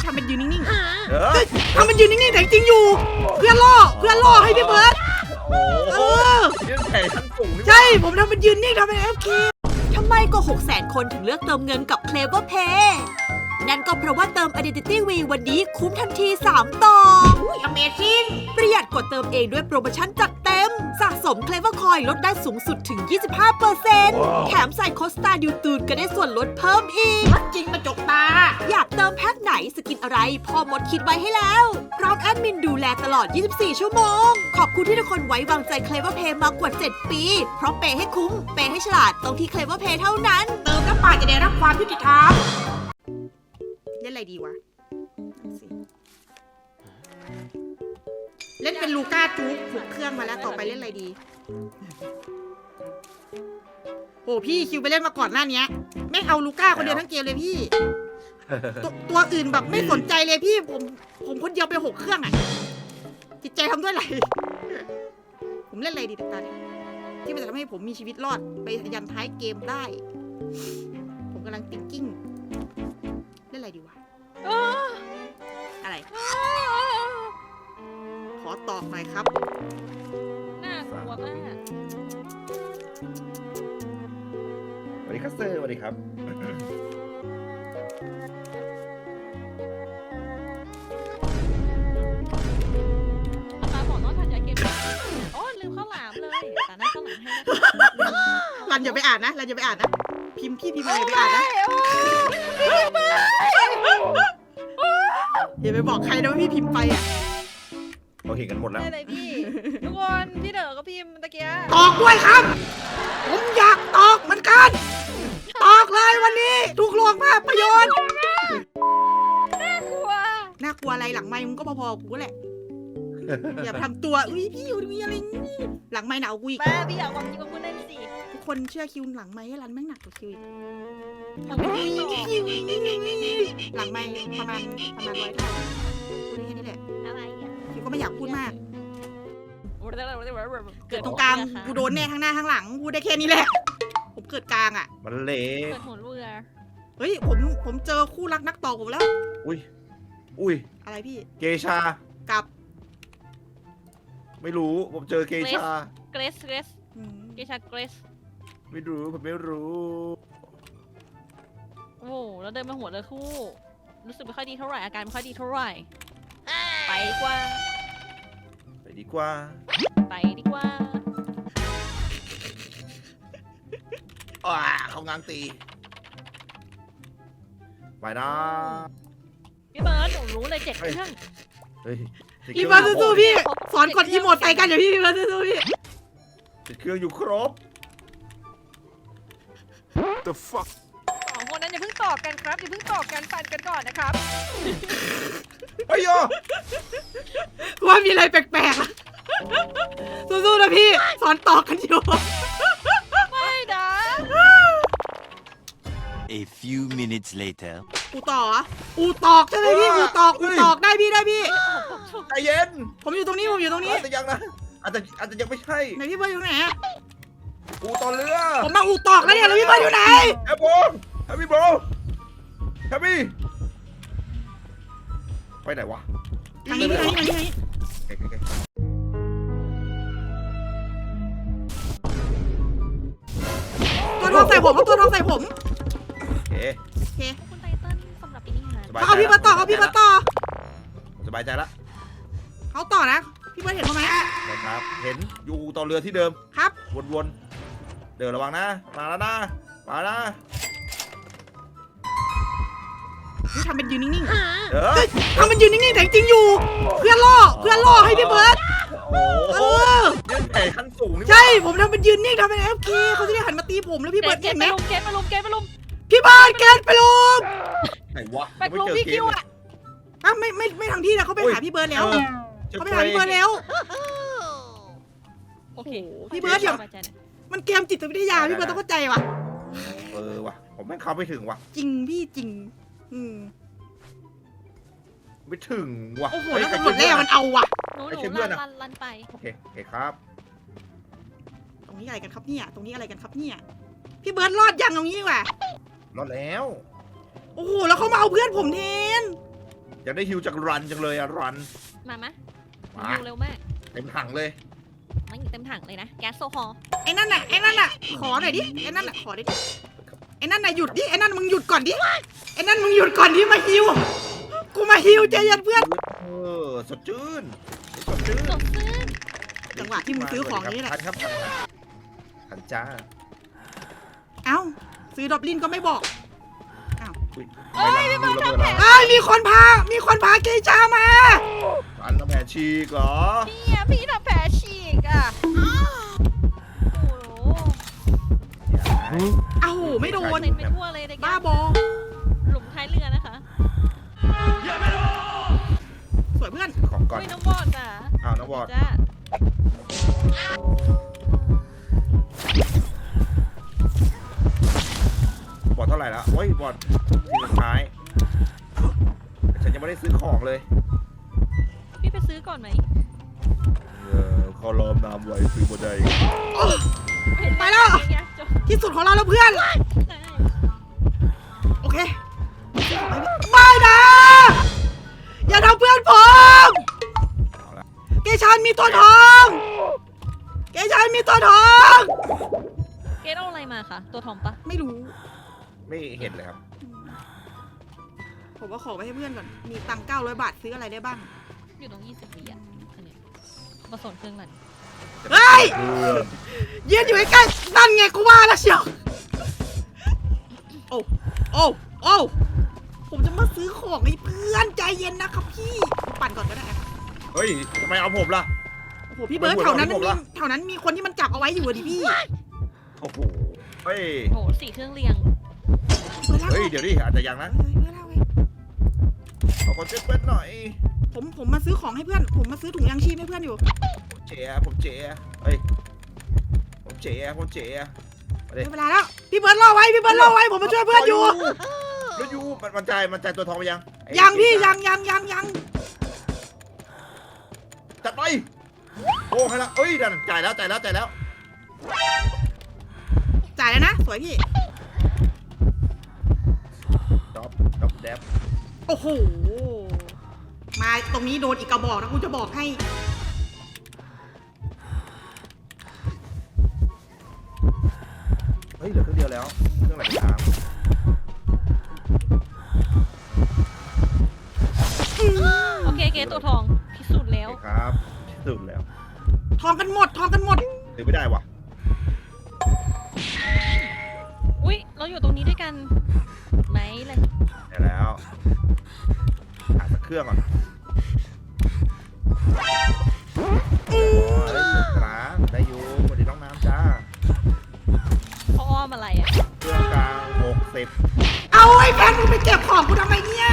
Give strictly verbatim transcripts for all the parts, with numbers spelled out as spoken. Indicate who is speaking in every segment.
Speaker 1: ทำเป็นยืนนิ่งๆ
Speaker 2: เออ
Speaker 1: ทำเป็นยืนนิ่งๆแต่จริงๆอยู่เพื่อล่อเพื่อล่อให้พี่เบิร์ด
Speaker 2: โอ้
Speaker 1: เอ
Speaker 2: โห
Speaker 1: อ
Speaker 2: ยื่นแผ่ชั้นสูงนี่
Speaker 1: ใช่ผมทำเป็นยืนนิ่งทำเป็น เอฟ เค
Speaker 3: ทำไมก็ หกแสน คนถึงเลือกเติมเงินกับ Clever Pay นั่นก็เพราะว่าเติม Identity V วันนี้คุ้มทันที สาม ต่อ
Speaker 1: อุ้ย Amazing
Speaker 3: ประหยัดกว่าเติมเองด้วยโปรโมชั่นจัดเต็ม สะสม Clever Coin ลดได้สูงสุดถึง ยี่สิบห้าเปอร์เซ็นต์ แถมใส่โค้ดสตาร์ดิวตูนก็ได้ส่วนลดเพิ่มอีก
Speaker 1: จริงมาจกตา
Speaker 3: อยากเติมแพ็คไหนสกินอะไรพ่อมดคิดไว้ให้แล้ว พร้อมแอดมินดูแลตลอด ยี่สิบสี่ ชั่วโมง ขอบคุณที่ทุกคนไว้วางใจ Clever Pay มากว่า เจ็ด ปี เพราะเปย์ให้คุ้ม เปย์ให้ฉลาดตรงที่ Clever Pay เท่านั้น
Speaker 1: เติมน้ำปลาจะได้รับความยุติธรรมเล่นอะไรดีวะนั่นสิเล่นเป็นลูก้าจู๊กถูกเครื่องมาแล้วต่อไปเล่นอะไรดีโอ้พี่คิวไปเล่นมาก่อนหน้านี้ไม่เอาลูก้าคนเดียวทั้งเกมเลยพี่ ตัวตัวอื่นแบบไม่สนใจเลยพี่ผมผมคนเดียวไปหกเครื่องอ่ะจิตใจทำด้วยอะไร ผมเล่นอะไรดีตาเนี่ยที่มันจะทำให้ผมมีชีวิตรอดไปยันท้ายเกมได้ ผมกำลังติ๊กกิ้งเล่นอะไรดีวะอะไรขอตอบหน่อยครับ
Speaker 4: น่ากลัวมาก
Speaker 2: สวัสดีครับเซอร์สวัสดีครับ
Speaker 4: ตาบอกน้องทันยาเกมโอ้ลืมข้าวหลามเลยแต่น่าข้าวหลามให้
Speaker 1: รันอย่าไปอ่านนะรันอย่าไปอ่านนะพิมพ์พี่พิมพ์อะไรอย่าไปอ่านนะอย่าไปบอกใครนะว่าพี่พิมพ์ไปอ่ะ
Speaker 2: เราเห็นกันหมดแล้ว
Speaker 4: ได้เลยพี่ทุกคนพี่เด๋อก็พิมพ์ตะเกีย
Speaker 1: ตอกด้วยครับ ผมอยากตอกเหมือนกัน ตอกเลยวันนี้ทุกโรงภาพยนตร์
Speaker 4: กลัว
Speaker 1: น่ากลัวอะไรหลังไมค์มึงก็พอๆกูแหละอย่าไปทำตัวอุ้ยพี่อยู่มีอะไรนี่หลังไมค์หนาวกูอีก
Speaker 4: แม่พี่อยากความจริงกับคุณเล่นสิ
Speaker 1: ทุกคนเชื่อคิวหลังไมค์ให้รันแม่งหนักกว่าคิวอีก
Speaker 4: ผมไม่ได้ต่อ
Speaker 1: หลังไมค์ประมาณประมาณร้อยเท่าพูดได้แค่นี้แหละ
Speaker 4: อะไรอ่ะ
Speaker 1: คิวก็ไม่อยากพูดมาก
Speaker 4: เกิ
Speaker 1: เกิ
Speaker 4: ด
Speaker 1: ดตรงกลางกูโดนแน่ข้างหน้าข้างหลังพูดได้แค่นี้แหละ ผมเกิดกลางอ่ะ
Speaker 2: มันเละ
Speaker 4: เกิดหัวเรือ
Speaker 1: เฮ้ยผมผมเจอคู่รักนักต่อผมแล้ว
Speaker 2: อุ้ยอุ้ย
Speaker 1: อะไรพี่
Speaker 2: เกชา
Speaker 1: กับ
Speaker 2: ไม่รู้ผมเจอเกชา
Speaker 4: เกรสเกรส
Speaker 1: อืม
Speaker 4: เกชาเกรส
Speaker 2: ไม่รู้ผมไม่รู้
Speaker 4: โอ้โหแล้วเดินมาหัวเรือคู่รู้สึกไม่ค่อยดีเท่าไหร่อาการไม่ค่อยดีเท่าไหร่ไปดีกว่า
Speaker 2: ไปดีกว่า
Speaker 4: ไปดีกว่า
Speaker 2: อ่าเขางางตีไปนะ
Speaker 4: พี่เบิร์ดหนูรู้เลยเจ็ดเครื่อง
Speaker 2: เฮ้ย
Speaker 1: พี่เบิร์ดสู้ๆพี่ สอนกดอีโมดใส่กันเดี๋ยวพี่พี่เบิร์ดสู้ๆพี่
Speaker 2: ติดเครื่องอยู่ครบ The fuck
Speaker 4: สองคนนั้นอย่าเพิ่งตอบกันครับอย่าเพิ่งตอบกันฟันกันก่อนนะครับ
Speaker 2: ไอ้ยอ
Speaker 1: ว่ามีอะไรแปลกๆอะสู้ๆนะพี่ สอนต่อกันอยู่
Speaker 4: ไม่นะ
Speaker 5: A few minutes later.
Speaker 1: อูต่อเหรออูตอกใช่ไหมพี่อูตอกอูตอกได้พี่ได้พี่
Speaker 2: ใจเย็น
Speaker 1: ผมอยู่ตรงนี้ผมอยู่ตรงนี้
Speaker 2: อาจจะยังนะอาจจะอาจจะยังไม่ใช่
Speaker 1: ไหนพี่เบิร์ดอยู่ไหนอะ
Speaker 2: กูต่อเรือ
Speaker 1: ผมมาอูตอกแล้วเนี่ยแล้วพี่เบิร์ดอยู่ไหน
Speaker 2: แอปโบแฮปปี้โบแฮปปี้ไปไหนวะ
Speaker 1: ทางนี้ทางนี้ทางนี้ทางนี้
Speaker 2: โอเคโอเค
Speaker 1: ตัวทองใส่ผมเอาตัวทองใส่ผม
Speaker 2: โอเค
Speaker 1: โอเค
Speaker 4: คุณไตเติ้ลสำหรับปีนี้ฮะ
Speaker 2: สบาย
Speaker 1: เขาเอาพี่มาต่อเขาเอาพี่มาต่อ
Speaker 2: สบายใจละ
Speaker 1: เขาต่อนะพี่เบิร์ดเห็นเขาไหม
Speaker 2: นะครับ เห็นอยู่ต่อเรือที่เดิม
Speaker 1: ครับ
Speaker 2: วนๆ เดินระวังนะ มาแล้วนะ มานะ
Speaker 1: พี่ทำเป็นยืนนิ่ง
Speaker 2: เออ
Speaker 1: ๆทำเป็นยืนนิ่งๆแต่จริงๆอยู่เพื่อล่อเพื่อล่อให้พี่เบิร์ด
Speaker 2: โอ้
Speaker 1: เอ
Speaker 2: โห
Speaker 1: อ
Speaker 2: ยื่นแผ่ขั้นสูงนี่
Speaker 1: ใช่ผมทำเป็นยืนนิ่งทำเป็น เอฟ เค เขาจะได้หันมาตีผมแล้วพี่เบิร์ด
Speaker 4: เก
Speaker 1: เห็
Speaker 4: ต
Speaker 1: นไหม
Speaker 4: มาลุมเกตมาลุมเกตมาลุม
Speaker 1: พี่เบิร์ดเกตไปลุม
Speaker 2: ไหนวะ
Speaker 4: ไปลุมพี่คิวอ่ะ
Speaker 1: อ่ะไม่ไม่ไม่ทางที่นะเขาไปหาพี่เบิร์ดแล้ว
Speaker 2: ออ
Speaker 1: เขาไปหาพี่เบิร์ดแล้ว
Speaker 4: โอเค
Speaker 1: พี่เบิร์ดอย่า
Speaker 4: สบายใจหน่อย
Speaker 1: มันเกมจิตวิทยาพี่เบิร์ดต้องเข้าใจว่ะ
Speaker 2: เออว่ะ ผมแม่งเข้าไม่ถึงว่ะ
Speaker 1: จริงพี่จริง อืม
Speaker 2: ไม่ถึงว่ะ
Speaker 1: โอ้โห
Speaker 2: เฮ้ย
Speaker 1: แล้ว
Speaker 2: ใคร
Speaker 1: ตำรวจแร่มันเอาว่ะ
Speaker 4: หนูห
Speaker 2: ไอ้
Speaker 4: นู
Speaker 2: เชี่ยเพื่
Speaker 4: ลั
Speaker 2: อน
Speaker 4: น
Speaker 2: อะ
Speaker 4: ลันลันไป
Speaker 2: โอเคโอเคครับ
Speaker 1: ตรงนี้อะไรกันครับเนี่ย ตรงนี้อะไรกันครับเนี่ย พี่เบิร์ดรอดยังตรงนี้ดีกว่าร
Speaker 2: อดแล้ว
Speaker 1: โอ้โหแล้วเขามาเอาเพื่อนผมแทน
Speaker 2: อยากได้ฮิวจากรันจังเลยอะรัน
Speaker 4: มามะ
Speaker 2: มา
Speaker 4: ดูเร็วมาก
Speaker 2: เต็มถังเลย
Speaker 4: ไม่เต็มถังเลยนะแก๊สโซฮอล์
Speaker 1: ไอ้นั่นน่ะไอ้นั่นน่ะขอหน่อยดิไอ้นั่นน่ะขอดิไอ้นั่นน่ะหยุดดิไอ้นั่นมึงหยุดก่อนดิไอ้นั่นมึงหยุดก่อนดิมาฮิวกูมาฮิวใจเย็นเพื่อน
Speaker 2: เออสดชื่นสดชื่น
Speaker 4: สดชื่น
Speaker 1: จังหวะที่มึงซื้อของนี่แหละ
Speaker 2: ทันครับทันทันจ้า
Speaker 1: เอ้าซื้อดอบลินก็ไม่บอก
Speaker 2: อุ๊ยไม่รันดูระเบิดแล้ว
Speaker 1: เอ้ยมีคนพา มีคนพาเกชามา
Speaker 2: อันน้ำแผลฉีกเหรอ
Speaker 4: เนี่ยพี่ทำแผลฉีกอ่ะโอ้โห
Speaker 1: เอ้าไม่โดน
Speaker 4: เต็มไปทั่วเลยเด็ก
Speaker 1: บ้าบอ
Speaker 4: หลุมท้ายเรือนะคะ
Speaker 1: สวยเพื่อน
Speaker 2: ของก่อน
Speaker 4: อุ้ยน้องบอดจ้ะ
Speaker 2: อ้าวน้องบอด
Speaker 4: จ้า
Speaker 2: บอดเท่าไหร่แล้วโอ้ยบอดทีสุดท้ายฉันยังไม่ได้ซื้อของเลย
Speaker 4: พี่ไปซื้อก่อนไหม
Speaker 2: เออเขาล้อมน้ำไว้ซื้อบ่ได้
Speaker 1: ไปแล้ว
Speaker 4: อย่างเงี้ยจบ
Speaker 1: ที่สุดของเราแล้วเพื่อน
Speaker 4: ได้
Speaker 1: โอเค ไม่นะ อย่าทำเพื่อนผม
Speaker 2: เอาละ
Speaker 1: เกชานมีตัวทอง เกชานมีตัวทอง
Speaker 4: เกดเอาอะไรมาคะตัวทอมปะ
Speaker 1: ไม่รู้
Speaker 2: ไม่เห็นเลยครับ
Speaker 1: ผมว่าขอไปให้เพื่อนก่อน มีตังค์เก้าร้อยบาทซื้ออะไรได้บ้าง
Speaker 4: อยู่ตรงยี่สิบวิอ่ะอันเนี้ยมาสนเครื่องรัน
Speaker 1: เฮ้ย ยืนอยู่ใกล้ๆนั่นไงกูว่าแล้วเชียว โอ้ โอ้ โอ้ ผมจะมาซื้อของให้เพื่อนใจเย็นนะครับพี่ ปั่นก่อนก็ได้ครับ
Speaker 2: เฮ้ยทำไมเอาผมล่ะ
Speaker 1: โอ้โหพี่เบิร์ดแถวนั้นมันมีแถวนั้นมีคนที่มันจับเอาไว้อยู่อะดิพี่
Speaker 2: โอ้โหเฮ้ย
Speaker 4: โหสี่เครื่องเรียง
Speaker 2: เฮ้ยเดี๋ยวดิอาจจะยังนะเอาคนเช็ดเป็นหน่อย
Speaker 1: ผมผมมาซื้อของให้เพื่อน ผมมาซื้อถุงยางชีพให้เพื่อนอยู่
Speaker 2: เจ๋ผมเจ๋เฮ้ยผมเจ๋ผมเจ๋มาดิ
Speaker 1: ได้เวลาแล้ว พี่เบิร์ดรอไว้ พี่เบิร์ดรอไว้ ผมมาช่วยเพื่อนอยู่
Speaker 2: แล้วยูมันมันใจมันใจตัวทองไปยังไอ้
Speaker 1: ยังพี่ยังยังยังยัง
Speaker 2: จัดไปโอ้ให้ละเอ้ยดันจ่ายแล้วจ่ายแล้วจ่ายแล้ว
Speaker 1: จ่ายแล้วนะ สวยพี่
Speaker 2: ดอบดอบแดบ
Speaker 1: โอ้โห มาตรงนี้โดนอีกกระบอกนะกูจะบอกให้
Speaker 2: เฮ้ยเหลือเครื่องเดียวแล้วเครื่องไหนตาม
Speaker 4: โอเคเกดตัวทองพิสูจน์แล้ว
Speaker 2: โอเคครับสุดแล้ว
Speaker 1: ทองกันหมด ทองกันหมด
Speaker 2: ถือไม่ได้ว่ะ
Speaker 4: อุ้ยเราอยู่ตรงนี้ด้วยกันไหมเลย
Speaker 2: ได้แล้วหาสักเครื่องก่อนโอ้ยสุดกลางได้อยู่สวัสดีน้องน้ำจ้า
Speaker 4: เขาอ้อมอะไรอ่ะ
Speaker 2: เครื่องกลางหกสิบ
Speaker 1: เอาไอ้แพนมึงไปเก็บของกูทำไมเนี่ย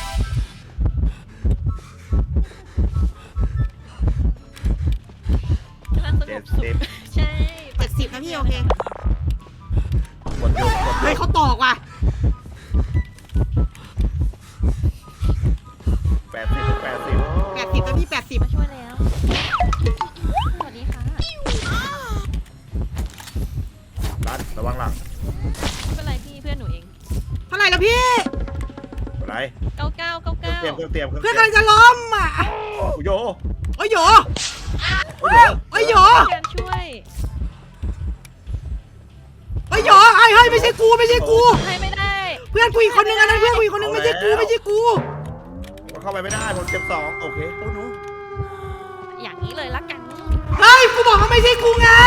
Speaker 4: กำลังสง
Speaker 2: เจ็
Speaker 4: บ
Speaker 2: ด
Speaker 4: สุข
Speaker 2: สิบ
Speaker 4: ใช่
Speaker 1: เจ็ดสิบนะพี่โอเค
Speaker 2: หมดยุคหมด
Speaker 1: เฮ้
Speaker 2: ยุ
Speaker 1: ย
Speaker 2: ค
Speaker 1: เขาตอกว่ะ
Speaker 2: แปดสิบแปดสิบ
Speaker 1: แปดสิบนะพี่แปดสิบ
Speaker 4: มาช่วยแล้วสวัสดีค่ะ
Speaker 2: รัดระวังหลัง
Speaker 4: ไม่เป็นไรพี่เพื่อนหนูเอง
Speaker 1: เท่าไหร่แล้วพี่
Speaker 2: อะไร
Speaker 4: เก้าเก้าเก้า
Speaker 2: เครื่อง
Speaker 4: เก้า
Speaker 2: เตรียมเครื่องเตรียมเครื่อง
Speaker 1: เพื่อน
Speaker 2: เตรียม
Speaker 1: กำลังจะล้มอ่ะ
Speaker 2: โอ้โย
Speaker 1: โอ้ยโหย
Speaker 2: โอ้โย
Speaker 1: โอ้ยโหย
Speaker 4: การช่วย
Speaker 1: โอ้ยโหยไอ้เฮ้ยไม่ใช่กูไม่ใช่กู
Speaker 4: ให้ไม่ได้
Speaker 1: เพื่อนกูอีกคนนึงอันนั้นเพื่อนกูอีกคนนึงไม่ใช่กูไม่ใช่กู
Speaker 2: มันเข้าไปไม่ได้ผมเจ็บสองโอเค
Speaker 1: โอ้โห
Speaker 4: อย่างนี้เลยละกัน
Speaker 1: เฮ้ยกูบอกว่าไม่ใช่กูไง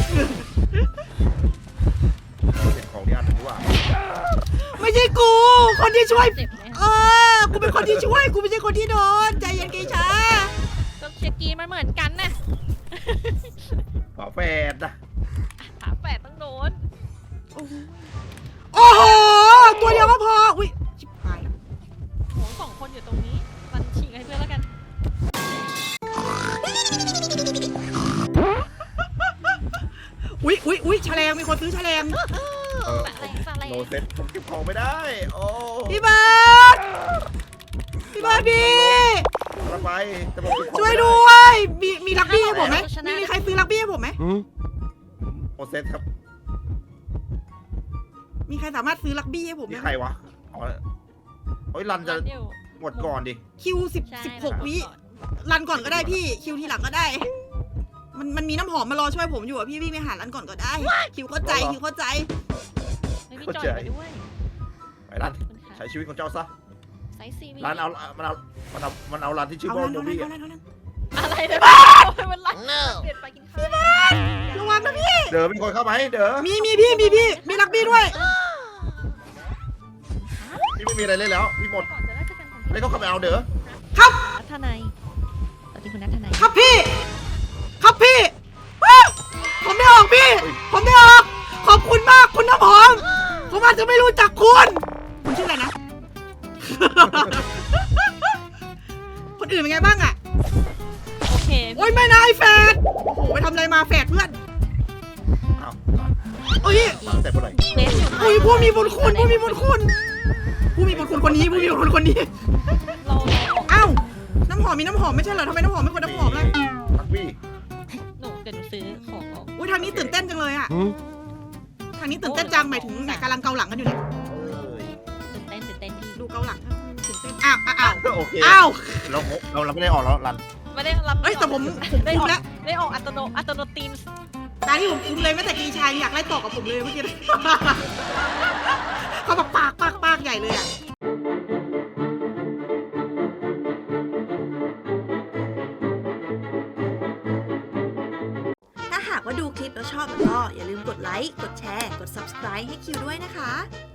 Speaker 2: เป็นของที่อันหนึ่งดีกว่า
Speaker 1: ไม่ใช่กู คนที่ช่วย
Speaker 4: เจ็บไหม
Speaker 1: เออ กูเป็นคนที่ช่วย กูไม่ใช่คนที่โดน ใจเย็นเกชา
Speaker 4: ก็เชียร์กรีนมันเหมือนกันนะ
Speaker 2: ฝาแฝดนะ
Speaker 4: ฝาแฝดต้องโดน
Speaker 1: โอ้โห ตัวเดียวก็พอ อุ้ยชิบหาย
Speaker 4: โหสองคนอยู่ตรงนี้ มันฉีกให้เพื่อนแล้วกัน
Speaker 1: อุ้ยอุ้ยอุ้ยแฉลงมีคนซื้อแฉลง
Speaker 2: เออ
Speaker 4: ฝาแรงฝาแรง
Speaker 2: โนเซ็ตผมเก็บของไม่ได้โอ้
Speaker 1: พี่เบิร์ดพี่เบิร์ดพี่
Speaker 2: ระไปแต่ผมเก็บของ
Speaker 1: ช่วย
Speaker 2: ไม่ไ
Speaker 1: ด้วย มีมีลักบี้ให้ผมไหมมีมีใครซื้อลักบี้ให้ผมไหม
Speaker 2: โนเซ็ตครับ
Speaker 1: มีใครสามารถซื้อลักบี้ให้ผมไหม
Speaker 2: นี่ใครวะอ๋อเฮ้ยรันจะ
Speaker 4: รันอยู่
Speaker 2: กดก่อนดิ
Speaker 1: คิวสิบ
Speaker 4: ใช่
Speaker 1: สิบหก
Speaker 4: เรา
Speaker 1: วิ
Speaker 4: ก่อน
Speaker 1: รันก่อนก็ได้พี่คิวทีหลังก็ได้ มันมันมีน้ำหอมมารอช่วยผมอยู่อะพี่วิ่งไปหารันก่อนก็ได้ คิวเข้าใจคิวเข้าใจ
Speaker 4: ไม่พี่จอยไปด้วย
Speaker 2: ไปรัน
Speaker 4: ขอบคุณค่ะ
Speaker 2: ใช้ชีวิตของเจ้าซะ
Speaker 4: ไซส์ซีวี
Speaker 2: รันเอามันเอามันเอามันเอารันที่ชื่อ
Speaker 1: เอา
Speaker 2: ว่า
Speaker 1: รัน
Speaker 2: โม
Speaker 1: เอารัน
Speaker 2: บี้
Speaker 1: เอา
Speaker 2: อะ
Speaker 1: รันเอารัน
Speaker 4: อะไรเนี่ยมันไรเปลี่ยนไปกินข้าว
Speaker 1: ระวังนะพี่
Speaker 2: เด๋อมีคนเข้ามาให้เด๋อ
Speaker 1: มีมีพี่มีพี่มีรักบี้ด้วย
Speaker 2: พี่ไม่มีอะไรเล่นแล้วพี่หมด
Speaker 4: ก่อนจะได้เจอกันก่อน
Speaker 2: เลยเขาเข้าไปเอาเด๋อ
Speaker 1: ครับ
Speaker 4: นัทธนัยสวัสดีคุณนัทธนัย
Speaker 1: ครับพี่ ครับพี่อ้าวผมไม่ออกพี่ ผมไม่ออก ขอบคุณมากคุณน้ำหอม ผมอาจจะไม่รู้จักคุณ คุณชื่ออะไรนะ คนอื่นเป็นไงบ้างอะ
Speaker 4: โอเค
Speaker 1: โอ๊ยไม่นะไอ้แฟดโอ้โหไปทำอะไรมาแฟดเพื่อน
Speaker 2: อ้าว
Speaker 1: โอ้ย
Speaker 2: ตั้งแต่เมื่อไหร่
Speaker 4: เควสอยู่
Speaker 1: อุ้ยผู้มีบุญคุณผู้มีบุญคุณ ผู้มีบุญคุณคนนี้ผู้มีบุญคุณคนนี้
Speaker 4: เราเรา
Speaker 1: อ้าวน้ำหอมมีน้ำหอมไม่ใช่เหรอทำไมน้ำหอมไม่คนน้ำหอมเลย
Speaker 2: รักบี้
Speaker 4: หนูเดี๋ยวหนูซื้อของออก
Speaker 1: อุ้ยทางนี้ตื่นเต้นจังเลยอะทางนี้ตื่นเต้นจังหมายถึงเนี่ยกำลังเกาหลังกันอยู่เนี่ย
Speaker 2: เอ้ย
Speaker 4: ตื่นเต้นตื่นเต้นพี่
Speaker 1: ดูเกาหลังตื่นเต้นอ้าวอ้าวอ้าว
Speaker 2: โอเค
Speaker 1: อ้าว
Speaker 2: เราเราเราไม่ได้ออกแล้วรัน
Speaker 4: ไม่ได้รับ
Speaker 1: เอ้ยแต่ผมผม
Speaker 4: ได้
Speaker 1: คุ
Speaker 4: อ
Speaker 1: ม
Speaker 4: อก
Speaker 1: แล้ว
Speaker 4: ได้ออกอัตโนอัตโนตีม
Speaker 1: ตาที่ผมคุมเลยแม้แต่กีชายอยากไล่ตอกกับผมเลยเมื่อกี้ เขาแบบปากปากปากใหญ่เลยอะ
Speaker 3: ถ้าหากว่าดูคลิปแล้วชอบแล้วก็อย่าลืมกดไลค์ กดแชร์ กด ซับสไครบ์ ให้คิวด้วยนะคะ